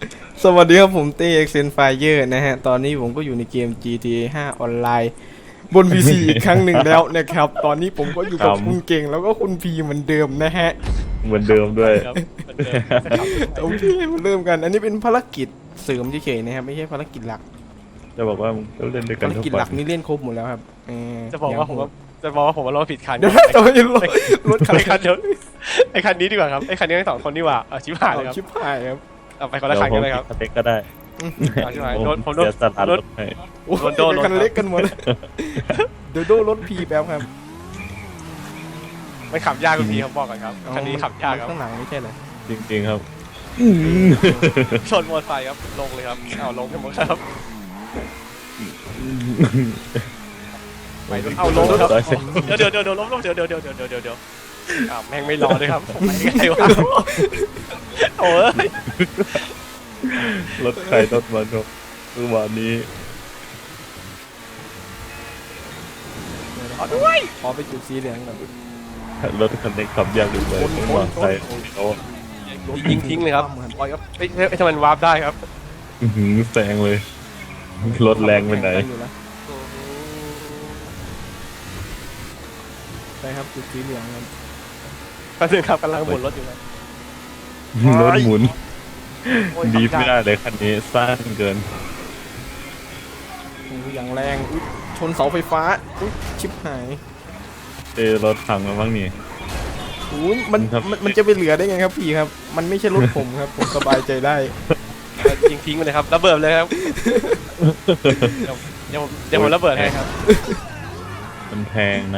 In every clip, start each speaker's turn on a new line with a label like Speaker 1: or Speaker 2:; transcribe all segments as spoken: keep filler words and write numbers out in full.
Speaker 1: สวัสดีครับผมเต้ เอ็กเซน Fire นะฮะตอนนี้ผมก็อยู่ในเกม จี ที เอ ห้า ออนไลน์บน พี ซี อีกครั้งหนึ่งแล้วนะครับตอนนี้ผมก็อยู่กับคุณเก่งแล้วก็คุณพีเหมือนเดิมนะฮะ
Speaker 2: เหมือนเดิมด้วย
Speaker 3: ครับเหมือนเดิม
Speaker 1: โอเคมาเริ่มกันอันนี้เป็นภารกิจเสริมเฉยๆนะครับไม่ใช่ภารกิจหลัก
Speaker 2: จะบอกว่ามึงก็เล่นด้วยกั
Speaker 1: ภาน ร
Speaker 2: ทุก
Speaker 1: กิจ
Speaker 2: วั
Speaker 1: หลัก
Speaker 2: น
Speaker 1: นี่เล่นครบหมดแล้วครับเ
Speaker 3: จะบอกว่าผมว่าจะบอกว่าผมว่าเราผิดคัน
Speaker 1: เดี๋ยวนะแต่ว่ายังรถรถคัน
Speaker 3: ไอคันเดียวไอคันนี้ดีกว่าครับไอคันนี้ทั้งสองคนดีกว่าเอาชิบหายเลยครับ
Speaker 1: ชิบหายครับ
Speaker 3: เอาไปคนละคันกันเลยครับ
Speaker 2: สเต็กก็ได้
Speaker 3: เอาชิบหาย
Speaker 2: ผม
Speaker 3: โดนผมโดน
Speaker 2: เสียสละ
Speaker 3: ร
Speaker 2: ร
Speaker 3: ถ
Speaker 2: ถให้
Speaker 1: โอ้โห
Speaker 3: โดนโดน
Speaker 1: คันเล็กกันหมดเลยเดี๋ยวโดนรถพีแป๊บครับ
Speaker 3: มันขับยากคุณพี่เขาบอกกันครับคันนี้ขับยากครับ
Speaker 1: ข้างหลังไม่ใช่เหรอ
Speaker 2: จริงๆครับ
Speaker 3: ชนมอเตอร์ไซค์ครับลงเลยครับเอาลงกันหมดครับไปเอาลงครับเดี๋ยวเดี๋ยวเดี๋ยวเดี๋ยวล้มล้มเดี๋ยวเดี๋ยวเดี๋ยวเดี๋ยวเดี๋ยวเดี๋ยวอ้าวแม่งไม่รอเลยครับผมไปไงวะโอ้ย
Speaker 2: รถใครรถมันครับคือวันนี้
Speaker 3: เอาด้วย
Speaker 1: ขอไปจุดสีเหลืองก่อน
Speaker 2: รถคันนี้ขับยากอยู่เลยต้องวางใจเขา
Speaker 3: ยิงทิ้งเลยครับปล่อยครับเอ้ยเอ้ยทำไมมันวาร์ปได้ครับ
Speaker 2: อื้อหือแซงเลย รถแรงไปไหน
Speaker 1: ไปครับจุดสีเหลืองครับ
Speaker 3: แป๊บนึงครับกำลังบนรถอยู่ครับ
Speaker 2: รถหมุน
Speaker 3: โอ้ย
Speaker 2: ดีด
Speaker 3: ขับ
Speaker 2: ไม่
Speaker 3: ยาก
Speaker 2: ได้เลยคันนี้สั้นเกิน
Speaker 1: โอ้ยอย่างแรงอุ๊ยชนเสาไฟฟ้าอุ๊ยชิบหาย
Speaker 2: เจอรถพังแล้วบ้างนี่
Speaker 1: โอ้ยมัน
Speaker 2: ครับ
Speaker 1: มันมันจะไปเหลือได้ไงครับพี่ครับ มันไม่ใช่รถผมครับ ผมสบายใจได้
Speaker 3: ยิงทิ้งไปเลยครับระเบิดเลยครับเดี๋ยวเดี๋ยวผมเดี๋ยวผมระเบิดให้ครับ
Speaker 2: มันแพงนะ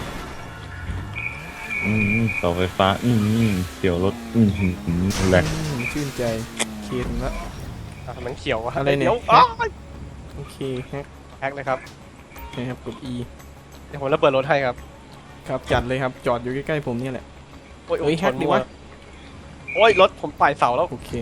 Speaker 2: อืมเสาไฟฟ้า อืมเกี่ยวรถ อืมแหลก
Speaker 1: อืมชื่นใจเคนละ
Speaker 3: อ่ะมันเขียวอะ
Speaker 1: อะไรเนี่ย
Speaker 3: ดี๋วอ้าว
Speaker 1: โอเคฮะ
Speaker 3: แฮกเลยครับ
Speaker 1: นะครับกด E
Speaker 3: เดี๋ยวผมระเบิดรถให้ครับ
Speaker 1: ครับจัดเลยครับจอดอยู่ใกล้ๆผมเนี่ยแหละ
Speaker 3: โอ้ย
Speaker 1: เฮ้ยแฮกดีวะ
Speaker 3: โอ้ยรถผมไต่เสาแล้ว
Speaker 1: โอเค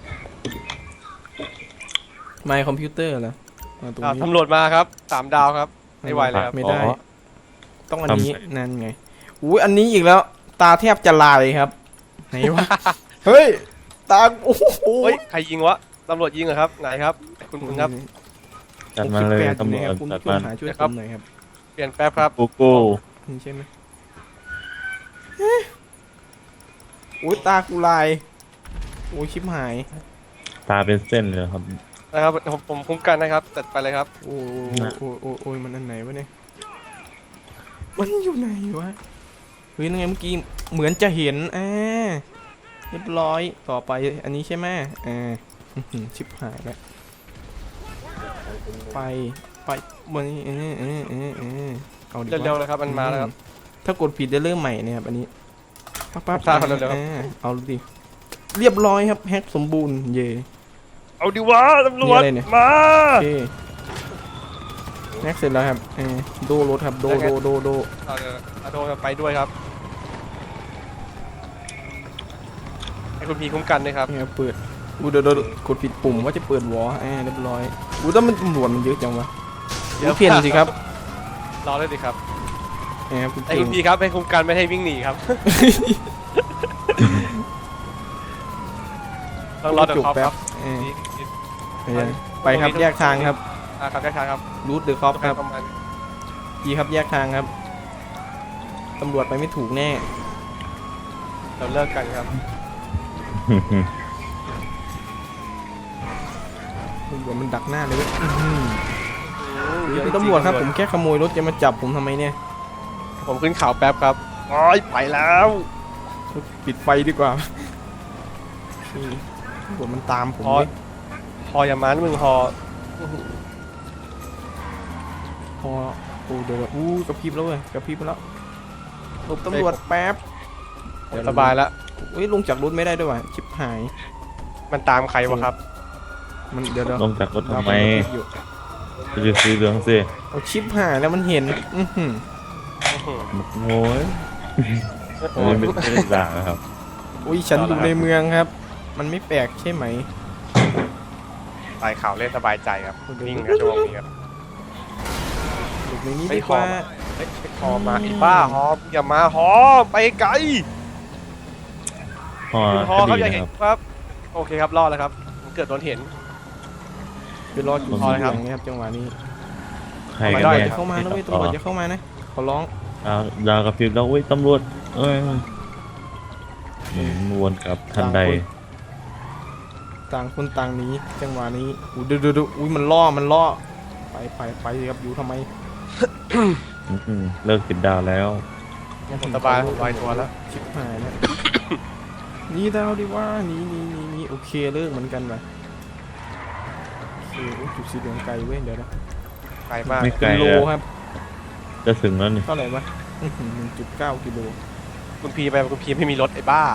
Speaker 1: ไมค์คอมพิวเตอร์เหรออ่าตรง
Speaker 3: อ่ะ
Speaker 1: นี้
Speaker 3: ตำรวจมาครับสามดาวครับไม่ไหวเลยครับ
Speaker 1: ไม่ได้
Speaker 2: อ๋อ
Speaker 1: ต้องอันนี้นั่นไงอุ้ยอันนี้อีกแล้ว ตาแทบจะลายครับไหนวะ เฮ้ยตาโอ้โห
Speaker 3: เฮ้ยใครยิงวะตำรวจยิงเหรอครับไหนครับคุณคุณครับ
Speaker 2: จัดมาเลยตำรวจ
Speaker 1: คุณ
Speaker 2: จัด
Speaker 1: คุณ
Speaker 2: มา
Speaker 1: หาช่วย
Speaker 3: นะ
Speaker 1: ผ
Speaker 3: ครับ
Speaker 1: มหน่อยครับ
Speaker 3: เปลี่ยนแป๊บครับ
Speaker 2: กูกู
Speaker 1: นี่ใช่ไหมโอ้ยตากูลายโอ้ยชิบหาย
Speaker 2: ตาเป็นเส้นเลยครับ
Speaker 3: นะครับผมผมคุ้มกันนะครับจัดไปเลยครับ
Speaker 1: โอ้ยโอ้ยโอ้ยโอ้ยมันอันไหนวะเนี่ยมันอยู่ไหนวะเฮ้ยนั่นไงเมื่อกี้เหมือนจะเห็นอ่าเรียบร้อยต่อไปอันนี้ใช่ไหมอ่าอื้อหือชิบหายแล้วไปไปบนนี้เออเออเออเออเอาดิ
Speaker 3: เร็วๆเลยครับมันมาแล้วครับ
Speaker 1: ถ้ากดผิดจะเริ่มใหม่เนี่ยครับอันนี้ปั๊บปั๊บ
Speaker 3: ทราบครับเร็วๆครับ
Speaker 1: อ่าเอาดิเรียบร้อยครับแฮกสมบูรณ์เย่
Speaker 3: เอาดิวะตำรวจ
Speaker 1: นี่อะไรเนี่ย
Speaker 3: มา
Speaker 1: โอเคแฮกเสร็จแล้วครับเออโดรถครับโดโดโดโด
Speaker 3: เอาเดี๋ยวเอาโดนไปด้วยครับให้คุณพีคุ้มกันด้วยครับ
Speaker 1: นี่ครับเปิดอูเดี๋ยวเดี๋ยวกดผิดปุ่มว่าจะเปิดวอลอ่าเรียบร้อยอูแต่มันตำรวจมันเยอะจังวะอูเพี้ยนสิครับ
Speaker 3: รอเลยดิครับ
Speaker 1: นี่ครับคุณ
Speaker 3: ไอ้
Speaker 1: เก่
Speaker 3: คุ
Speaker 1: ง
Speaker 3: ณพีครับให้คุ้มกันไม่ให้วิ่งหนีครับต้องรอเดี๋ยวคอปครับ
Speaker 1: เออ
Speaker 3: นี่นี่
Speaker 1: เออไปครับแยกทางครับ
Speaker 3: อ่าครับได้ทางครับ
Speaker 1: รูทเดอะคอปครับ
Speaker 3: ประมาณ
Speaker 1: ดีครับแยกทางครับตำรวจไปไม่ถูกแน่
Speaker 3: เราเลิกกันครับ
Speaker 1: ตำรวจมันดักหน้าเลยเว้ยอื้อหือเดี๋ยวตำรวจครับผมแค่ขโมยรถจะมาจับผมทำไมเนี่ย
Speaker 3: ผมขึ้นเขาแป๊บครับโอ้ยไปแล้ว
Speaker 1: ปิดไฟดีกว่านี่ตำรวจมันตามผม
Speaker 3: พอ
Speaker 1: เลย
Speaker 3: พออย่ามานะมึงพอ
Speaker 1: พอโอ้เดี๋ยวอู้กระพริบแล้วเว้ยกระพริบแล้วหลบตำรวจแป๊บ
Speaker 3: สบายแล้ว
Speaker 1: เฮ้ยลงจากรถไม่ได้ด้วยว่ะชิบหาย
Speaker 3: มันตามใครวะครับ
Speaker 1: มันเดี๋ยวเดี๋ยว
Speaker 2: ลงจากรถทำไม
Speaker 1: เรากำลังคิดอยู่
Speaker 2: จะไปซื้อเหลืองสิ
Speaker 1: เอาชิปหายแล้วมันเห็นอื้อหือ
Speaker 2: โอ้ยอันนี้ไม่ไม่ได้ด่านะครับ
Speaker 1: อุ้ยฉันอยู่ในเมืองครับ มันไม่แปลกใช่ไหม
Speaker 3: ตายข่าวเล่นสบายใจครับนิ่งครับชั่วโมงนี้ครับ
Speaker 1: หลบในนี้
Speaker 3: ไม่
Speaker 1: ดีกว่า
Speaker 3: ขอ เฮ้ยฮอมาไอ้บ้าฮออย่ามาฮอไปไกล
Speaker 2: พ่อ
Speaker 3: คุณฮอ
Speaker 2: ค
Speaker 3: ครับ
Speaker 2: ดี
Speaker 3: อย่า
Speaker 2: นะ
Speaker 3: เห็
Speaker 2: คน รับ
Speaker 3: ครับโอเคครับรอดแล้วครับเกิดโดนเห็น
Speaker 1: ไปรอจุด
Speaker 3: พอ
Speaker 1: สี
Speaker 3: เลย
Speaker 1: เห
Speaker 3: ค
Speaker 1: ลื
Speaker 3: รับ
Speaker 1: องนะครับจังหวะนี้
Speaker 2: ใคร
Speaker 1: ตำ
Speaker 2: กัน
Speaker 1: รวจ
Speaker 2: แน่
Speaker 1: จะเข้ามานะเว้ยตำรวจจะเข้ามานะขอร้อง
Speaker 2: ดาวดาวกับพริบแล้วเว้ยตำรวจเอ้ยอืมวนกลับทันใด
Speaker 1: ต่างคนต่างหนีจังหวะนี้อู้ดูดูดูอุ้ยมันล่อมันล่อไปไปไปสิครับอยู่ทำไม
Speaker 2: อืมเลิกติดดาวแล้ว
Speaker 3: ผมสบายผมลอยตัวแล้ว
Speaker 1: ชิบหายแล้ว หนี่ดาวดิว่าหนี่นี่นี่นี่โอเคเลิกเหมือนกันว่ะโอเคอุ๊ยจุดสีเหลืองไกลเว้ยเดี๋ยวนะ
Speaker 3: ไกลมาก
Speaker 2: ไม่ไกล
Speaker 1: กิโล
Speaker 2: แล้ว
Speaker 1: ครับ
Speaker 2: จะถึงแล้วนี่
Speaker 1: เท่าไหร่วะหนึ่งจุดเก้ากิโล
Speaker 3: คุณพีไปคุณพีไม่มีรถไอ้บ้า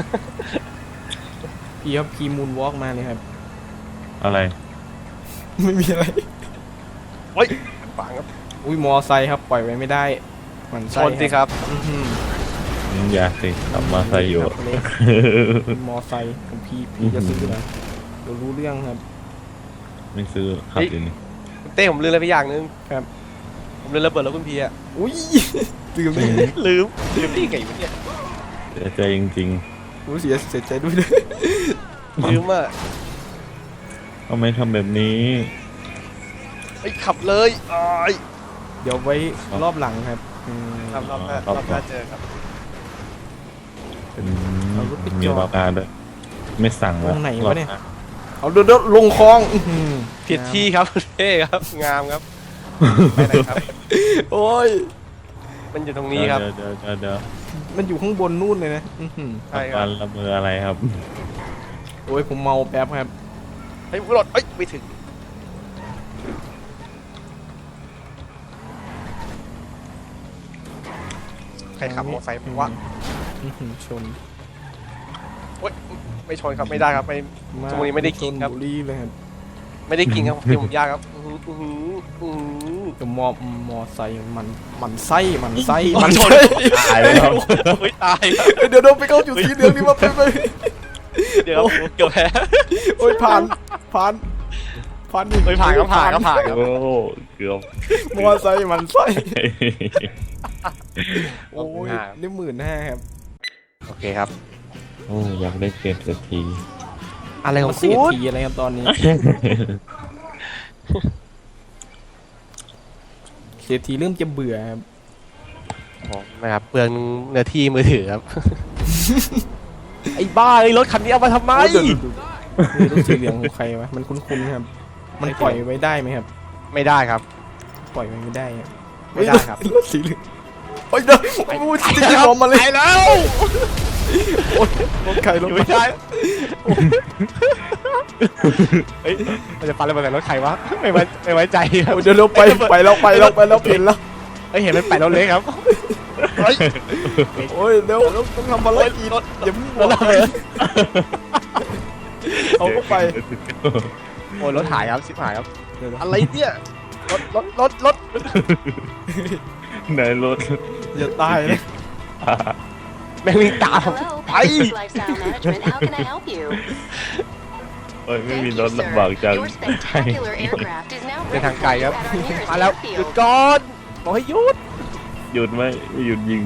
Speaker 1: พี่ครับขี่มูนวอล์กมาเลยครับ
Speaker 2: อะไร
Speaker 1: ไม่มีอะไร
Speaker 3: เฮ้ยขวางครับ
Speaker 1: อุ้ยมอไซค์ครับปล่อยไว้ไม่ได้หมัน
Speaker 3: ช
Speaker 1: ไส้
Speaker 3: นสิครับ
Speaker 1: อื้อหือ
Speaker 2: อืมอย่าสิกลับมาใส่อยู่
Speaker 1: ครับเล็กมอไซค์ของพี่พี่จะซื้อนะเดี๋ยวรู้เรื่องครับ
Speaker 2: ไม่ซื้อขับอยู่นี่
Speaker 3: คุณเต้ผมลืมอะไรไปอย่างนึง
Speaker 1: ครับ
Speaker 3: ผมลืมระเบิดแล้วคุณพีอะ
Speaker 1: อุ้ยลืมเลย
Speaker 3: ลืมลืมที่ไงวะเนี่ย
Speaker 2: เสียใจจริง
Speaker 1: รู้เสียเสียใจด้วยเลย
Speaker 3: ลืมอ่ะ
Speaker 2: ๆทำไมทำแบบนี้
Speaker 3: ไอ้ยขับเลยอ้าย
Speaker 1: เดี๋ยวไว้รอบหลังครับอืม
Speaker 3: รอบรอบหน้า
Speaker 2: ครับ
Speaker 3: รอบหน้าเจอครับ
Speaker 2: อืม
Speaker 1: เอารถไปจอด
Speaker 2: มีรอบการด้วยไม่สั่ง
Speaker 1: ตรงไหนวะเนี่ย
Speaker 2: รอบ
Speaker 1: เอาเดี๋ยวเดี๋ยวลงคลองอื้อหือ
Speaker 3: ผิดที่ครับคุณเต้ครับงามครับไปไหนครับ
Speaker 1: โอ้ย
Speaker 3: มันอยู่ตรง
Speaker 2: หา
Speaker 3: นี้ครับ
Speaker 2: เดี๋ยวเดี๋ยวเดี๋ยวเดี๋ยว
Speaker 1: มันอยู่ข้างบนนู่นเลยนะอื้อหือ
Speaker 3: ใช่ค
Speaker 2: กา
Speaker 3: รับ
Speaker 2: รละเมออะไรครับ
Speaker 1: โอ้ยผมเมาแป๊บครับ
Speaker 3: เฮ้ยรถเอ้ยไม่ถึงใครขับมอเตอร์ไซค์วะ
Speaker 1: อื้อหือชน
Speaker 3: โอ๊ยไม่ชนครับไม่ได้ครับไม่ ตรงนี้ไม่ได้กินครับ
Speaker 1: ชบุรีเลยครับ
Speaker 3: ไม่ได้กินครับเดี๋ยวผมยากครับอื้อหืออื้อหืออื้อหือ
Speaker 1: จะมอมอไซค์มันมันไส้มันไส้
Speaker 3: มั
Speaker 1: มัน น
Speaker 3: ชน
Speaker 1: ไส้
Speaker 2: ตายแล้ว
Speaker 3: เฮ้ยตายครับ
Speaker 1: เดี๋ยวเดี๋ยวไปเข้าจุดสีเหลืองนี่มาไปไป
Speaker 3: เดี๋ยวครับเกือบแพ้
Speaker 1: โอ้ยผ่านผ่านผ่าน
Speaker 3: เฮ้ยผ่านก็ผ่านก็ผ่านครับ
Speaker 2: โอ้เกือบ
Speaker 1: มอไซค์มันไส้โอ้ยได้หมื่นห้าครับ
Speaker 3: โอเคครับ
Speaker 2: โอ้อยากได้เกมสักที
Speaker 3: อะไรขอ
Speaker 1: มาง เสี
Speaker 3: คุ
Speaker 1: ย
Speaker 3: ณ
Speaker 1: ทีอะไรครับตอนนี้เสียทีเริ่มจะเบื่อครับ
Speaker 3: นะครับเปลืองเนื้อที่มือถือครับ ไอ้บ้าไอ้รถคันนี้เอามาทำไม
Speaker 1: โอ้ยเดี๋ยวดูดูดูรถสีเหลืองของใครวะมันคุ้นๆครับ มันปล่อยไว้ได้ไหมครับ
Speaker 3: ไม่ได้ครับ
Speaker 1: ปล่อยไว้ไม่ได้ครับ
Speaker 3: ไม่ได้ครับ
Speaker 1: รถสีเหลืองโอ้ยเดี๋ยวโอ้ยจริงๆออกมาเลย
Speaker 3: ไปแล้ว
Speaker 1: โอ้ยรถใครรถ
Speaker 3: อยู่
Speaker 1: ไม่
Speaker 3: ไม่ได้เฮ้ยมันจะปันระเบิดใส่รถใครวะไม่ไว้ไม่ไว้ใจครับ
Speaker 1: เดี๋ยวเราไปไปแล้วไปแล้วไปแล้วเปลี่ยนแล้ว
Speaker 3: เฮ้ยเห็นมันแปะรถเล็กครับเฮ้ย
Speaker 1: โอ้ยเร็วต้องทำภารกิจ
Speaker 3: รถ
Speaker 1: อย่าเพิ่ง
Speaker 3: รถระเบิด
Speaker 1: เอาเข้าไป
Speaker 3: โอ้ยรถหายครับชิบหายครับ
Speaker 1: เดี๋ยวนะ
Speaker 3: อะไรเนี่ยรถรถรถรถ
Speaker 2: ไหนรถ
Speaker 1: อย่าตายนะ
Speaker 3: แม่งวิ่งตามผม
Speaker 4: Hello,
Speaker 3: ไป
Speaker 4: Pegasus Lifestyle Management. How can I help you?
Speaker 2: โอ้ยไม่
Speaker 4: Thank
Speaker 2: มี
Speaker 4: you,
Speaker 2: รถลำบาก
Speaker 4: sir.
Speaker 2: จัง
Speaker 4: Your spectacular aircraft is now
Speaker 3: เดิน
Speaker 4: ready
Speaker 3: ทางไกล
Speaker 4: for
Speaker 3: ครับ
Speaker 4: you at our nearest
Speaker 3: มาแล้วหยุด
Speaker 4: airfield.
Speaker 3: ก่อนบอกให้หยุด
Speaker 2: หยุดไหมไม่หยุดยิง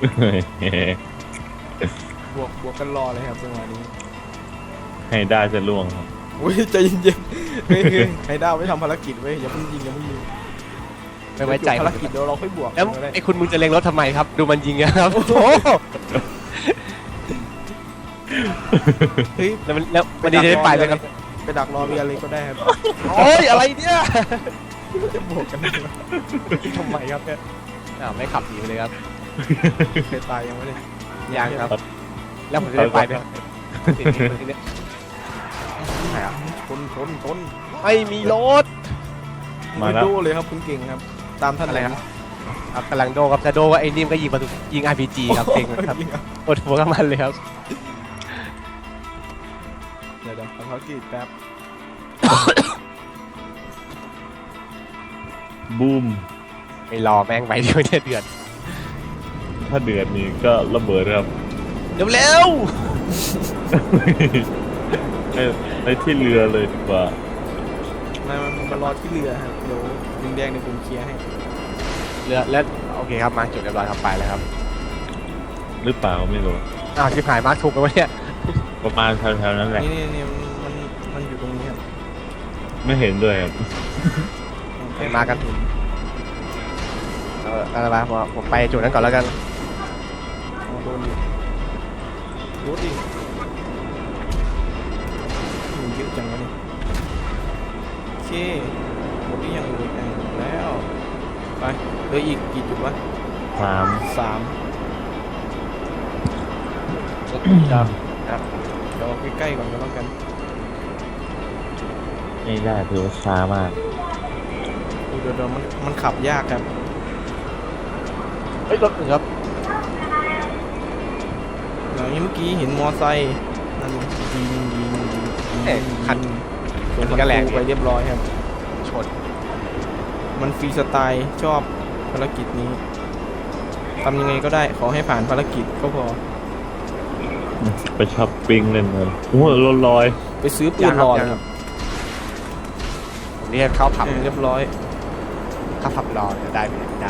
Speaker 1: บวกบวกกันรอเลยครับจังหวะนี้
Speaker 2: ให้ได้จะล่วงครับ
Speaker 1: อุ้ยใจเย็นๆเฮ้ยเฮ้ยให้ดาวไม่ทำภารกิจเว้ยอย่าเพิ่งยิงอย่าเพิ่งยิง
Speaker 3: ไม่ไว้ใจ
Speaker 1: ภารกิจเดี๋ยวเราค่อยบวก
Speaker 3: แล้ว
Speaker 1: ก็ได้
Speaker 3: ไอ้คุณมึงจะเล็งรถทำไมครับ ดูมันยิงอะครับโอ้โห
Speaker 1: เฮ้ย
Speaker 3: แล้วมันแล้วมันดีจะได้ไปเลยครับ
Speaker 1: ไปดักรอเบียร์เลยก็ได้ครับ
Speaker 3: โอ้ยอะไรเนี่ย
Speaker 1: จะบวกกัน
Speaker 3: ทำไมครับเนี่ยอ้าวไม่ขับหนีไปเลยครับ
Speaker 1: เคยตายยังไม่ได้
Speaker 3: ยังครับ แล้วผมจะได้ไปไหมครับติดติดติดเนี่ย
Speaker 1: ไหนอ่ะชนชนชน
Speaker 3: ไม่มีรถ
Speaker 2: มาแล้ว
Speaker 1: ดูเลยครับคุณเก่งครับ ตามท่าน
Speaker 3: อะไรครับ
Speaker 1: นะครับ
Speaker 3: กำลังโดครับจะโดว่าไอ้นิ่มก็ยิงประตูยิง อาร์ พี จี ครับเก่งครับ
Speaker 1: ยิงครับ
Speaker 3: ปวดหัวกับมันเลยครับ
Speaker 1: เดี๋ยวเดี๋ยวทำภารกิจแป๊บ
Speaker 2: บูม
Speaker 3: ไม่รอแม่งไปเดี๋ยวเนี่ยเดือด
Speaker 2: ถ้าเดือดนี่ก็ระเบิดครับ
Speaker 3: เร็วเร็ว
Speaker 2: ไปไปที่เรือเลยดีกว่า
Speaker 1: มามามารอที่เรือครับเดี๋ยวลุงแดงในผมเคลียร์ให้
Speaker 3: เรือแล้วโอเคครับมาจุดเรียบร้อยครับไปแล้วครับ
Speaker 2: หรือเปล่าไม่รู้
Speaker 3: อ้าวชิบหายมาร์คถูกไปวะเนี่ย
Speaker 2: ประมาณแถวๆนั้นแหละ
Speaker 1: นี่นี่นี่มันมันอยู่ตรง
Speaker 2: ไม่เห็นด้วยครับ
Speaker 3: ไปมากัน เอออะไรวะผมผมไปจุดนั้นก่อนแล้วกัน
Speaker 1: อ๋อโดนอยู่รถดิมันเยอะจังวะเนี่ยโอเคหมดหรือยังเลยอ่ะหมดแล้ว ไปเหลืออีกกี่จุดวะ
Speaker 2: สาม
Speaker 1: สาม
Speaker 3: ครับครับ
Speaker 1: เดี๋ยวเอาใกล้ๆก่อนก็แล้วกัน
Speaker 2: ไม่ได้ถือว่าช้ามาก
Speaker 1: เดี๋ยวเดี๋ยวมันมันขับยากครับ
Speaker 3: เฮ้ยรถหนึ่งครับ
Speaker 1: อย่างนี้เมื่อกี้เห็นมอไซค์นั่นยิงยิงยิงยิง
Speaker 3: เอ๊ะคัน
Speaker 1: ส่ง
Speaker 3: คั
Speaker 1: พั
Speaker 3: นก็แรง
Speaker 1: นไปเรียบร้อยครับ
Speaker 3: ชน
Speaker 1: มันฟรีสไตล์ชอบภารกิจนี้ทำยังไงก็ได้ขอให้ผ่านภารกิจก็พอ
Speaker 2: ไปช้อปปิ้งเล่นเลยโอ้โหรถลอย
Speaker 1: ไปซื้อปืนรอเลยครับ
Speaker 3: ผมเรียกเข้าผับ
Speaker 1: เออเรียบร้อย
Speaker 3: เข้าผับรอเนี่ยได้ไหมได้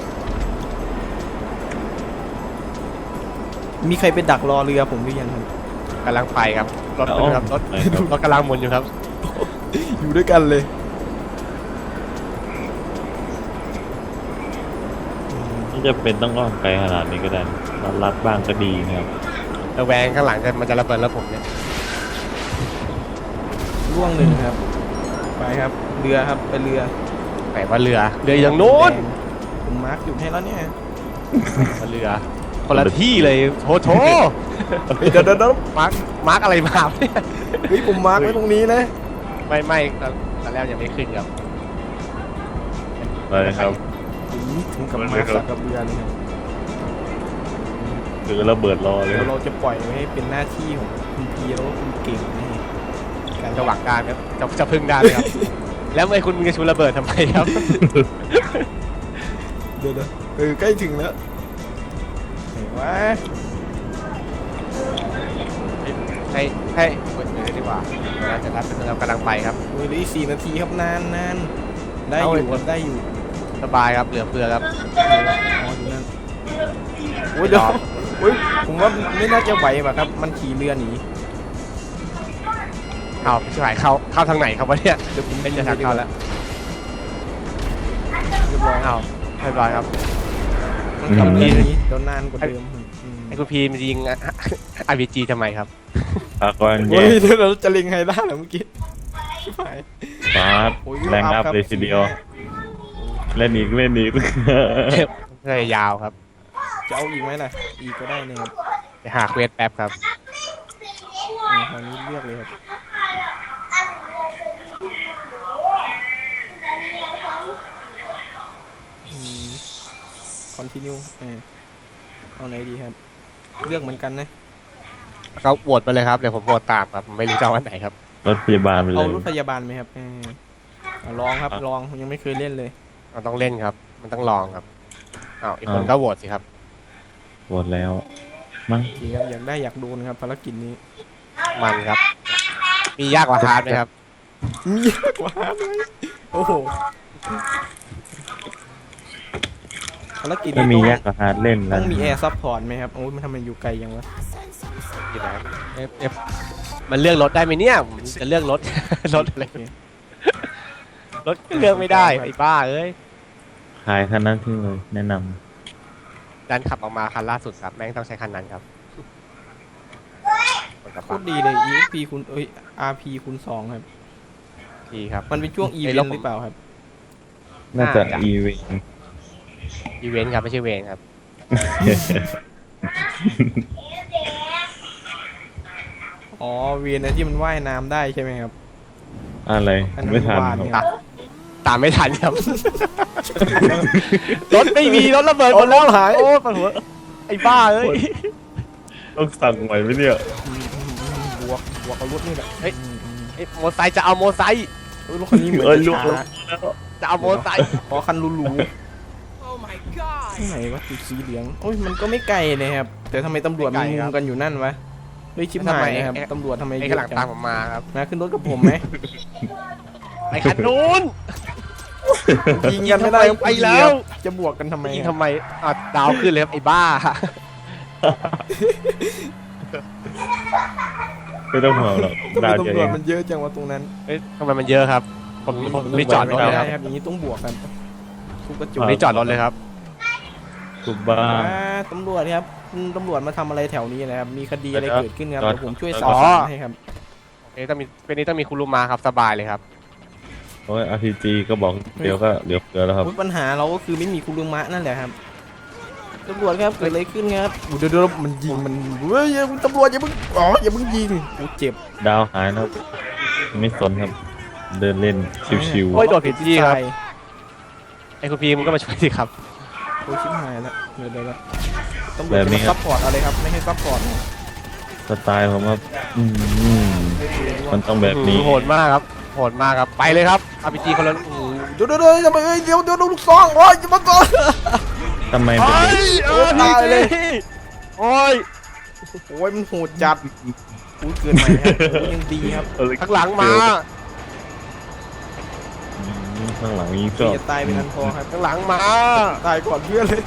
Speaker 1: มีใครไปดักรอเรือผมหรือยังครับ
Speaker 3: กำลังไปครับรถ
Speaker 2: เอ้า
Speaker 3: ครับรถ
Speaker 2: ไหนครับ
Speaker 3: รถกำลังหมุนอยู่ครับ
Speaker 1: อยู่ด้วยกันเลย
Speaker 2: ไม่จะเป็นต้องอ้อมไกลขนาดนี้ก็ได้รัดรัดบ้างก็ดีนะครับ
Speaker 3: ระแวงข้างหลังจะมันจะระเบิดแล้วผมเนี่ย
Speaker 1: ร่วงหนึ่งครับ ไปครับ เรือครับ ไปเรือ
Speaker 3: ไหนว่าเรือเรืออย่างนู้น
Speaker 1: แดงผมมาร์กอยู่ให้แล้วเนี่ย
Speaker 3: ว่าเรือคนละที่เลยโถโถ
Speaker 1: เฮ้ยเดี๋ยวเดี๋ยวเดี๋ยว
Speaker 3: มาร์คมาร์คอะไรมาเนี่ย
Speaker 1: เฮ้ยผมมาร์กไว้ตรงนี้นะ
Speaker 3: ไม่ไม่ตอนตอนแรกยังไม่ขึ้นครับ
Speaker 2: ไปครับ
Speaker 1: ถึงถึงกับมาร์กสักกับเรือเลยครับ
Speaker 2: ถือระเบิดรอเลย
Speaker 1: เดี๋
Speaker 2: ค
Speaker 1: ย
Speaker 2: รั
Speaker 1: ว
Speaker 2: บ
Speaker 1: เราจะปล่อยไว้ให้เป็นหน้าที่ของคุณพีแล้วก็คุณเก่งนะฮะการ
Speaker 3: จะหวังการครับจะจะพึ่งได้เลยครับ แล้วไอ้คุณมึงจะชูระเบิดทำไมครับ
Speaker 1: เดี๋ยวเดี๋ยวเออใกล้ถึงแล้วไหนวะ
Speaker 3: ให้ให้เปิดเลยดีกว่าเราจะรับเป็นเรากำลังไปครับ
Speaker 1: เฮ้ยเหลืออีกสี่นาทีครับนานนานได้อ
Speaker 3: เอา
Speaker 1: ยู่
Speaker 3: เลย
Speaker 1: ครับได้อยู่
Speaker 3: สบายครับเหลือเฟือครับ
Speaker 1: อ๋ออยู่นั่นโอ้ยเดี๋ยวโอ้ยผมว่าไม่น่าจะไหวป่ะครับ มันขี่เรือหนี
Speaker 3: เอาพี่ชายเข้าเข้าทางไหนครับวะเนี่ย
Speaker 1: เดี๋ยวผม
Speaker 3: เป็นจะทางเข้าแล้ว
Speaker 1: เรียบร้อย
Speaker 3: เอาเรียบร้อยครับ
Speaker 1: มันขับเรือหนีเดี๋ยวนานกว่าเดิมอืม
Speaker 3: ไอ้คุณพีมนยิงอาร์พีจีทำไมครับ
Speaker 2: อากร
Speaker 1: โอ้
Speaker 2: แย่
Speaker 1: ยเดี๋ยวเราจะเล็งไฮด้าเหรอเมื่อกี้ชิบหาย
Speaker 2: ฟาด
Speaker 1: โอ้ย
Speaker 2: แรงอัพเลยทีเดียว เล่นอีกเล่นอีก
Speaker 3: เลยยาวครับ
Speaker 1: จะเอาอีกไหมล่ะ อีกก็ได้นะครับ
Speaker 3: ไปหาเควสแป๊บครับ
Speaker 1: อืมคราวนี้เลือกเลยครับอืม continue เออเอาไหนดีครับ เลือกเหมือนกันนะ
Speaker 3: เขาโหวตไปเลยครับเดี๋ยวผมโหวตตามครับผมไม่รู้จะเอาอันไหนครับ
Speaker 2: รถพยาบาลไปเล
Speaker 1: เอา
Speaker 2: ย
Speaker 1: รถพยาบาลไหมครับเออเอาลองครับ
Speaker 2: อ่ะ
Speaker 1: ลองยังไม่เคยเล่นเลย
Speaker 3: มันต้องเล่นครับ มันต้องลองครับอ้าวอีกคน
Speaker 2: อ่า
Speaker 3: ก็โหวตสิครับ
Speaker 2: หมดแล้ว มั้ง
Speaker 1: โอเคครับอยากได้อยากโดนครับภารกิจนี้
Speaker 3: มันครับ มียากกว่าฮาร์ดไหมครับ
Speaker 1: มียากกว่าเลยโอ้โหภารกิจ
Speaker 2: ถ้า
Speaker 1: นี้
Speaker 2: มี
Speaker 1: ต้อง
Speaker 2: แยกกับฮาร์ดเล่น
Speaker 1: ต้
Speaker 2: แล้
Speaker 1: อ
Speaker 2: ว
Speaker 1: งมีแอร์ซัพพอร์ตไหมครับโอ้ยมันทำไมอยู่ไกลยังวะ
Speaker 3: อยู่ไหนเอฟเอฟมันเลือกรถได้ไหมเนี่ยผมจะเลือกรถ รถอะไร
Speaker 1: โอเค
Speaker 3: รถเลือกไม่ได้ไอ้บ้าเอ้ย
Speaker 2: ขายคันนั้นที่เลยแนะน
Speaker 3: ดันขับออกมาคันล่าสุดครับแม่งต้องใช้คันนั้นครับกดกระ
Speaker 1: โค
Speaker 3: เป๋า
Speaker 1: ตรดีเลย อี เอ็กซ์ พี คูณเอ้ย อาร์ พี คูณสองครับ
Speaker 3: ทีครับ
Speaker 1: มันเป็นช่วงอีเว
Speaker 3: ไอ้
Speaker 1: น
Speaker 3: รถ
Speaker 1: ต์หรือเปล่าครับ
Speaker 2: ำน่าจะ
Speaker 3: น่าจะ
Speaker 2: อีเวน
Speaker 3: อีเวนต์ครับไม่ใช่เวนครับ
Speaker 1: อ๋อ เวนนะที่มันว่ายน้ำได้ใช่ไหมครับ
Speaker 2: อะไร
Speaker 1: อันนั้น
Speaker 2: ไม่ทัน
Speaker 1: วาน
Speaker 2: ครับ
Speaker 1: เนี่ย
Speaker 3: ตามไม่ทันครับ รถไม่มีรถระเบิดหมดแล้วหายโอ้ปวดหัวไอ้บ้าเอ้ย
Speaker 2: ต้องสั่งใหม่ไหมเนี่ย
Speaker 1: อืมอืมอืมบวก บวกเอารถนี่แหละ
Speaker 3: เฮ้ย
Speaker 1: อืมอืม
Speaker 3: ไอ้โมอไซค์จะเอาโมอไซค์
Speaker 1: เอ้ยรถคันนี้เหมือน
Speaker 2: เอ้ย
Speaker 1: จะ
Speaker 2: ลูก
Speaker 1: ช้า
Speaker 2: แล้ว
Speaker 3: จะเอาโมอไซค์
Speaker 1: ขอคันหรูๆที่ไหนวะสีสีเหลืองโอ้ย มันก็ไม่ไกลเลยครับ แต่ทำไมตำรวจมันมุงกันอยู่นั่นวะ เฮ้ยชิบหายนะครับตำรวจทำไม
Speaker 3: ไอ้
Speaker 1: เย
Speaker 3: ข้างหลั
Speaker 1: อะ
Speaker 3: ง
Speaker 1: จั
Speaker 3: ตาม
Speaker 1: ง
Speaker 3: ผมมาครับ
Speaker 1: มาขึ้นรถกับผมไหม
Speaker 3: ไอ้คันนู้น
Speaker 1: ยิงกันไม่ได้ครับ
Speaker 3: ไปแล้ว
Speaker 1: จะบวกกันทำไม
Speaker 3: ยิง
Speaker 1: อะ
Speaker 3: ทำไมอ่ะดาวขึ้นเลยครับไอ้บ้า
Speaker 2: ไม่ต้องห่วงหรอก
Speaker 1: ทำไม
Speaker 2: ดาวเดียว
Speaker 1: ตำร
Speaker 2: เอ
Speaker 1: วจ
Speaker 2: ง
Speaker 1: มันเยอะจังวะตรงนั้น
Speaker 3: เอ้ยทำไมมันเยอะครับผมผมรีบจอดรถ
Speaker 1: ไม่
Speaker 3: เลยค
Speaker 1: ได้
Speaker 3: รับ
Speaker 1: ครับอย่างนี้ต้องบวกกันทุกกระจ
Speaker 3: ผม
Speaker 1: ก
Speaker 3: รีบจอดรถเลยครับ
Speaker 2: ทุบบ้าน
Speaker 1: อ่าตำรวจครับคุณตำรวจมาทำอะไรแถวนี้นะครับมีคดีอะไร
Speaker 2: เดี๋ยว
Speaker 1: เกิดขึ้นครับ
Speaker 2: จอด
Speaker 1: เดี๋ยวผมช่วย
Speaker 2: จอด
Speaker 1: สอบสวนให้ครับ
Speaker 3: เอ้ยต้องมีเป็นนี้ต้องมีคุณลุงมาครับสบายเลยครับ
Speaker 2: โอ้ย อาร์ พี จี ก็บอกเดี๋ยวก็เหลือเฟือแล้วครับ
Speaker 1: อุ๊ยปัญหาเราก็คือไม่มีคุณลุงมะนั่นแหละครับตำรวจครับเกิดอะไรขึ้นครับอุ๊ยเดี๋ยวเดี๋ยวมันยิงมันเฮ้ยอย่าตำรวจอย่าเพิ่งอ๋ออย่าเพิ่งยิงกูเจ็บ
Speaker 2: ดาวหายนะครับ ไม่สนครับ เดินเล่นชิว
Speaker 3: โอ้ยโดดผิดที่ครับ
Speaker 1: ใส่
Speaker 3: ไอ้คุณพีมึงก็มาช่วยสิครับ
Speaker 1: โอ้ยชิบหายแล้วเดี๋ยวเดี๋ยวเดี๋ยวตำรวจจะมาซัพพอร์ตอะไรครับไม่ให้ซัพพอร์ตนะ
Speaker 2: ๆ สไตล์ผมครับอืม
Speaker 1: ไม่คุยด้วย
Speaker 2: มันต้องแบบนี้
Speaker 3: โหดมากครับโหดมากครับไปเลยครับอาร์พีจีคนละ
Speaker 1: เดี๋ยวเดี๋ยวเดี๋ยวทำไมเอ้ยเดี๋ยวเดี๋ยวลูกซองโอ้ยจะมาก่อน
Speaker 2: ทำไมเป็น
Speaker 3: โอ้
Speaker 2: เด็ก
Speaker 3: ยเออ
Speaker 1: ตายเลย
Speaker 3: โอ้ย
Speaker 1: โอ้ยมันโหดจัดอุ้ยเกินใหม่ครับโอ้ยยังดีครับ
Speaker 3: ข้างหลังมา
Speaker 2: อืมข้างหลังยิงช
Speaker 1: พี่
Speaker 2: อบ
Speaker 1: จะตายเป็นอันพอครับ
Speaker 3: ข้างหลังมา
Speaker 1: ตายก่อนเพื่อนเลย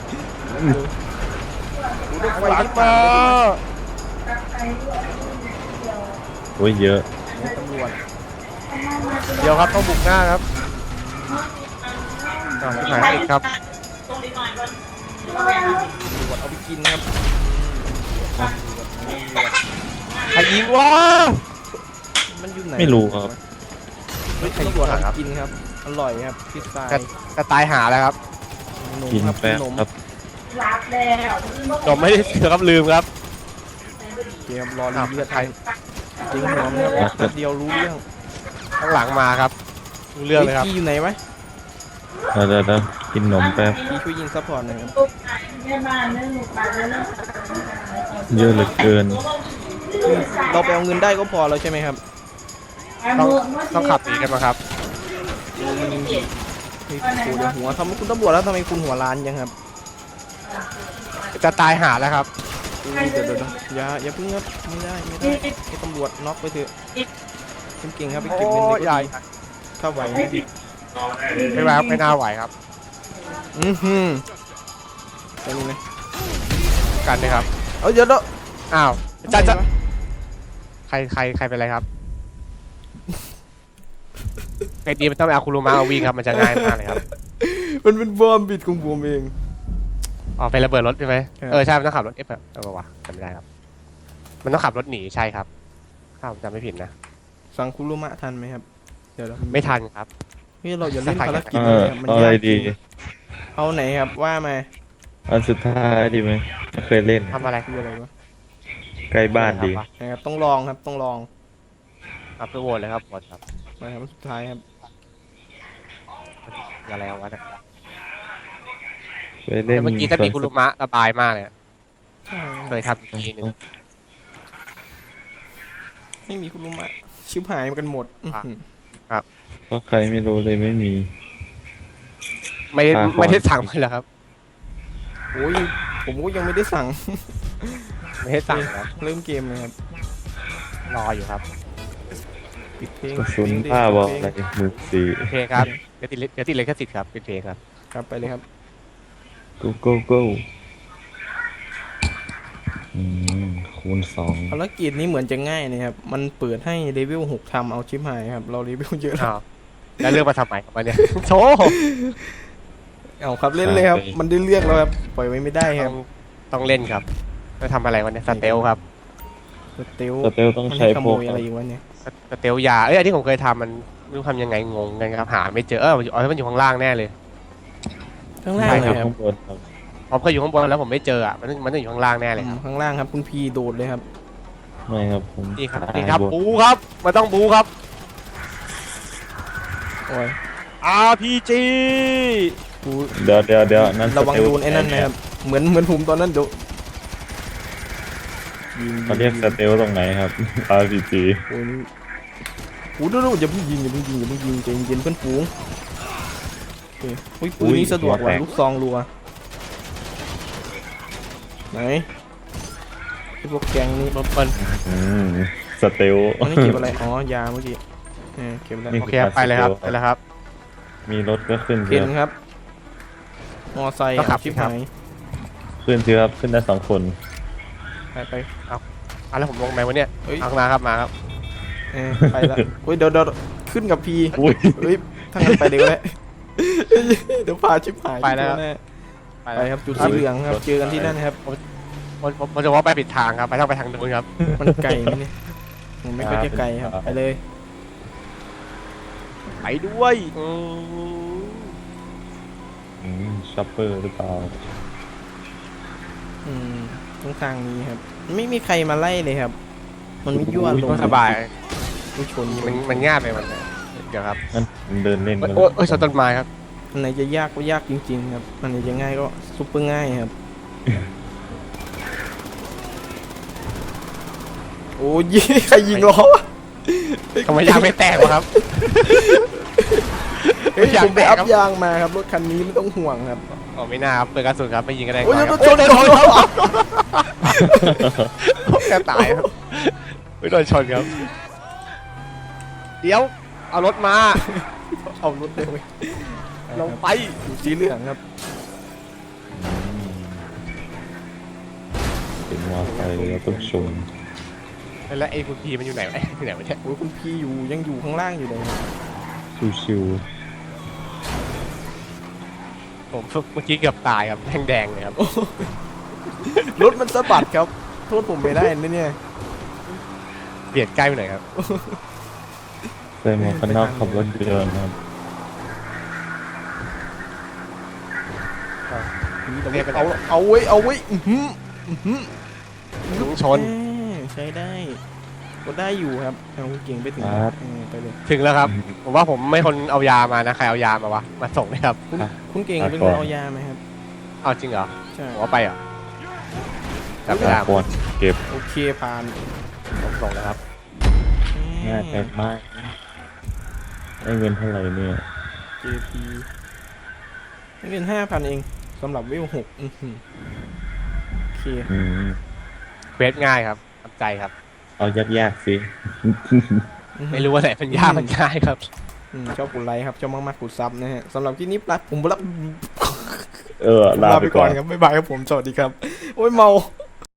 Speaker 1: กูได้ไฟ
Speaker 3: ข้างหลัง
Speaker 1: ที่
Speaker 3: มา
Speaker 2: โอ้ยเยอะ
Speaker 1: ตำรวจ
Speaker 3: เดี๋ยวครับต้องบุกหน้าครับอ่าหายอีกครับ
Speaker 1: ตำรวจเอาไปกินครับ
Speaker 3: ใครยิงวะ
Speaker 1: มันอยู่ไหน
Speaker 2: ไม่รู้ครับ
Speaker 1: เฮ้ยตำรวจเอาไปกินครับอร่อยครับพิซซ่า
Speaker 3: จะตายหาแล้วครับ
Speaker 1: นม
Speaker 2: กิน
Speaker 1: ครับ
Speaker 2: แป๊บ
Speaker 1: นม
Speaker 2: ครับ
Speaker 3: ผมไม่ได้เสือครับลืมครับ
Speaker 1: เกมรอรีเลือดไทยจริงหอมครับแป๊บเดียวรู้เรื่อง
Speaker 3: ข้างหลังมาครับรู้เรื่องเลยครับ
Speaker 1: พี่อยู่ไหนวะ
Speaker 2: เดี๋ยวเดี๋ยวเดี๋ยวกินนมแป๊บ
Speaker 1: พี่ช่วยยิงซัพพอร์ตหน่อยครับ
Speaker 2: เยอะเหลือเกิน
Speaker 1: เราไปเอาเงินได้ก็พอแล้วใช่ไหมครับ
Speaker 3: ต้องต้องขับหนีกันมาครับ
Speaker 1: เฮ้ยโอ้เดี๋ยวหัวทำไมคุณตำรวจแล้วทำไมคุณหัวล้านยังครับ
Speaker 3: จะตายหาแล้วครับ
Speaker 1: อุ้ยเดี๋ยวเดี๋ยวเดี๋ยวอย่าอย่าเพิ่งครับไม่ได้ไม่ได้ให้ตำรวจน็อกไปเถอะคุณเก่งครับไปเก็บเงิน
Speaker 3: โอ้
Speaker 1: เลย
Speaker 3: ใหญ่
Speaker 1: ถ้าไหวนะพี่
Speaker 3: ไม่ไหวครับไม่น่าไหวครับ
Speaker 1: อือหือไปนี่นะ
Speaker 3: กันนะครับ
Speaker 1: เอาเดี๋ยวเดี๋ยว
Speaker 3: อ้าวจะจะใครใครใครเป็นไรครับไอ้ดีมันต้องไปเอาคุรุมะเอาวิ่งครับมันจะง่ายมากเลยครับ
Speaker 1: มันเป็นบอมบิดของผมเอง
Speaker 3: อ๋อไประเบิดรถใช่ไหม
Speaker 1: ครับ
Speaker 3: เออใช่มันต้องขับรถเอฟแบบเออวะจำไม่ได้ครับ มันต้องขับรถหนีใช่ครับถ้าผมจำไม่ผิดนะ
Speaker 1: สั่งคุรุมะทันไหมครับเดี๋ยวเรา
Speaker 3: ไม่ทันครับ
Speaker 1: เฮ้ยเราอย่าเล่นภารกิจ
Speaker 2: เอ
Speaker 1: เล
Speaker 2: อย
Speaker 1: ครับมัน
Speaker 2: เอาอะไร
Speaker 1: ยากจ
Speaker 2: ดี
Speaker 1: ริงเอาไหนครับว่ามา
Speaker 2: อันสุดท้ายดีไหมไม่เคยเล่น
Speaker 3: ทำอะไร
Speaker 1: คืออะไรวะ
Speaker 2: ใกล้บ้านดี
Speaker 1: นะครับต้องลองครับต้องลอง
Speaker 3: ครับเพื่อโหวตเลยครับโหวตครับ
Speaker 1: มาครับสุดท้ายครับ
Speaker 3: อะไรเอาวะเนี่ย
Speaker 2: ไปเล่น
Speaker 3: แต่เมื่อกี้ถ้ามีคุรุมะสบายมากเลย
Speaker 1: ใช่
Speaker 3: เคยทำทีนึง
Speaker 1: ไม่มีคุรุมะชิบหายกันหมดอื้อหือ
Speaker 2: เพราะใครไม่รู้เลยไม่มี
Speaker 3: ไม่ได้
Speaker 2: อ่าขอ
Speaker 3: ไม่ได้สั่งไปแล้วครับ
Speaker 1: โอ้ยผมก็ยังไม่ได้สั่ง
Speaker 3: ไม่ได้สั่งครับ
Speaker 1: เริ่มเกมเลยครับ
Speaker 3: รออยู่ครับ
Speaker 1: ปิดเพลง
Speaker 2: กระสุน
Speaker 1: ปิดเพลง
Speaker 2: ผ้าบอกอะไรหมือสี่
Speaker 3: โอเคครับเดี๋ยวติดเดี๋ยวติดเลยแค่สิทธิ์ครับเป็นเพลงครับ
Speaker 1: ครับไปเลยครับ
Speaker 2: go go go อืมคูณสอง
Speaker 1: ภารกิจนี้เหมือนจะง่ายนะครับ มันเปิดให้เลเวลหกทำเอาชิปหายครับ เราเลเวลเยอะแล้ว
Speaker 3: อ้าวแล้วเลือกมาทำไมครับวันเนี้ยโถ
Speaker 1: เอาครับเล่นเลยครับ มันได้เลือกแล้วครับ ปล่อยไว้ไม่ได้ค
Speaker 3: ต้
Speaker 1: รั
Speaker 3: อบ งต้องเล่นครับจะทำอะไรวันเนี้ยสเตลครับ
Speaker 1: สเตล
Speaker 2: สเตลต้อง
Speaker 1: มัน
Speaker 2: ใช้
Speaker 1: ให้ข
Speaker 2: พ
Speaker 1: โม
Speaker 2: วก
Speaker 1: ยอะไรอยู่วะเนี่ย
Speaker 3: สเตลยาเอ้ยอันที่ผมเคยทำมันไม่รู้ทำยังไงงงกันครับหาไม่เจอเออมันอยู่อ๋อมันอยู่ข้างล่างแน่เลย
Speaker 1: ข้างล่าง
Speaker 2: ใช่
Speaker 1: เล
Speaker 2: ครั
Speaker 1: ย
Speaker 2: บ
Speaker 1: ครับ
Speaker 2: ข้างบนครับ
Speaker 3: ผมเคยอยู่ข้างบนแล้วผมไม่เจออ่ะมันมันต้องอยู่ข้างล่างแน่เลยครับ
Speaker 1: ข้างล่างครับคุณพีโดดเลยครับ
Speaker 2: ไม่ครับผม
Speaker 3: นี่ครับ
Speaker 2: ตาย
Speaker 3: นี่ครับ
Speaker 2: บน
Speaker 3: บูครับมันต้องบูครับ
Speaker 1: โอ้ย
Speaker 3: อาร์ พี จี
Speaker 1: กู
Speaker 2: เดี๋ยวเดี๋ยวเดี๋ยวนั่น
Speaker 1: ระวัง
Speaker 2: สเตล
Speaker 1: โดนไอ้นั่นนะครับ เหมือนเหมือนผมตอนนั้นเดี๋ยวยิง
Speaker 2: เขาเรียกสเตลตรงไหนครับ อาร์ พี จี
Speaker 1: โอ้ยนี่โอ้ยดูดูอย่าเพิ่งยิงอย่าเพิ่งยิงอย่าเพิ่งยิงใจเย็นๆเพื่อนฝูงโอเคอุ้ยปืนนี้สะดวกกว่าลูกซองรัวไหนไอ้พวกแกงนี่
Speaker 3: รถเปิ้ล
Speaker 2: อืมสเตล
Speaker 1: อันนี้เก็บอะไร อ๋อ ยาเมื่อกี้เออเก็บแล้ว
Speaker 2: นี่
Speaker 3: โอเคครับไปเลยครับไปเลยครับ
Speaker 2: มีรถก็ขึ้น
Speaker 1: เห็
Speaker 2: เย
Speaker 1: น
Speaker 2: อะ
Speaker 1: ครับ มอไซค์
Speaker 3: ต้องขับ
Speaker 1: ชิบ
Speaker 3: ครั
Speaker 1: หา
Speaker 3: บ
Speaker 1: ย
Speaker 2: ขึ้นเยอะครับขึ้นได้สองคน
Speaker 1: ไปไป
Speaker 3: อ่ะแล้วผมลงไหมวะเนี่ย
Speaker 1: เอ้ย
Speaker 3: เอามาครับมาครับ
Speaker 1: เออไปละเฮ้ยเดี๋ยวเดี๋ยวขึ้นกับพี
Speaker 2: อุ้ย
Speaker 1: เฮ้ยถ้างั้นไปเดี๋ยวแหละเดี๋ยวพาชิบหาย
Speaker 3: ไปแล้ว
Speaker 1: แน่
Speaker 3: ไป
Speaker 1: ไป
Speaker 3: แล้ว
Speaker 1: ครับจุดสีเหลืองครับเจอกันที่นั่นครับ
Speaker 3: ผมผมผมจะว่าไปผิดทางครับไปต้องไปทางนู้นครับ
Speaker 1: มันไกลไหมเนี่ยผมไม่ค่อยจะไกลครับไปเลย
Speaker 3: ไปด้วยอืม
Speaker 2: อืมช็อปเปอร์หรือเปล่า
Speaker 1: อืมตรงทางนี้ครับ ไม่มีใครมาไล่เลยครับ มันไม่ยั่วล
Speaker 3: ก็
Speaker 1: ง
Speaker 3: สบาย
Speaker 1: ไม่ชน
Speaker 3: มันมันง่ายไปมันเดี๋ยวครับ
Speaker 2: นั่นมันเดินเล่นกัน
Speaker 3: โอ้ยโอ้ยชนต้นไม้ครับ
Speaker 1: อันไหนจะยากก็ยากจริงๆครับอันไหนจะง่ายก็ซุปเปอร์ง่ายครับ โอ้ยใครยิงล้อวะ
Speaker 3: ทำไมยางไม่แตกวะครับ
Speaker 1: เฮ้ย
Speaker 3: ยาง
Speaker 1: ผมไป
Speaker 3: แตก
Speaker 1: อัพ
Speaker 3: ครับ
Speaker 1: ยางมาครับรถคันนี้ไม่ต้องห่วงครับ
Speaker 3: อ๋อไม่น่าครับเปิดกระสุนครับไม่ยิงก็ได้
Speaker 1: โอ้ย
Speaker 3: ก่อน
Speaker 1: ร
Speaker 3: ครั
Speaker 1: ถ
Speaker 3: บ
Speaker 1: ชนชนชน
Speaker 3: แค่ตายครับไม่โดนชนครับ เดี๋ยวเอารถมา
Speaker 1: เอารถเลยเว้ย
Speaker 3: ลงไป
Speaker 1: สีเหลืองครับ
Speaker 2: อืมเป็นมอไซค์เราต้องชน
Speaker 3: แล้วไอ้คุณพีมันอยู่ไหนวะไอ้ที่ไหนวะเนี่ย
Speaker 1: โอ้ยคุณพี่อยู่ยังอยู่ข้างล่างอยู่เลยครับ
Speaker 2: ชิว
Speaker 3: ผมเมื่อกี้เกือบตายครับแดงแดงๆเลยครับ
Speaker 1: รถมันสะบัดครับโทษผมไม่ได้นะเนี่ย
Speaker 3: เบียดใกล้ไปหน่อยครับ
Speaker 2: ๆใส่หมวกกันน็อกขับรถยนต์ครับ
Speaker 1: เอาเอาไว้เอาไว้อื้อหืออื้อหือ
Speaker 3: ลุงชน
Speaker 1: แม่ใช้ได้ก็ได้อยู่ครับเอาเก่งไปถึง
Speaker 2: ครับ
Speaker 1: เออไปเลย
Speaker 3: ถึงแล้วครับ ผมว่าผมไม่คนเอายามานะใครเอายามาวะมาส่งเลยครับ
Speaker 1: คุณ
Speaker 2: อ่ะ
Speaker 1: คุณเก่ง
Speaker 2: อ่ะ
Speaker 1: เป็น
Speaker 2: ก่
Speaker 1: ค
Speaker 2: อน
Speaker 1: นเอายาไหมครับ
Speaker 3: เอาจริงเหรอ
Speaker 1: ใช่
Speaker 3: ผมว่าไปเหรอจับ
Speaker 2: ตาย
Speaker 3: า
Speaker 2: ก่อนเก็บ
Speaker 1: โอเคผ่าน
Speaker 3: ผมส่งแล้วครับ
Speaker 2: ง่ายไปมากได้เงินเท่าไหร่เนี่ย
Speaker 1: เจพีเงินห้าพันเองสำหรับวิวหกอื้อหือโอเค
Speaker 2: อืม
Speaker 3: เควสง่ายครับทำใจครับ
Speaker 2: เอายากๆสิ
Speaker 3: ไม่รู้ว่าไหนมันยากมันง่ายครับ
Speaker 1: อืมชอบกดไลค์ครับชอบมากๆกดซับนะฮะสำหรับที่นี้ปลัดผมรับ
Speaker 2: เออลาไปก่อน
Speaker 1: ครับบ๊ายบายครับผมสวัสดีครับโอ้ยเมา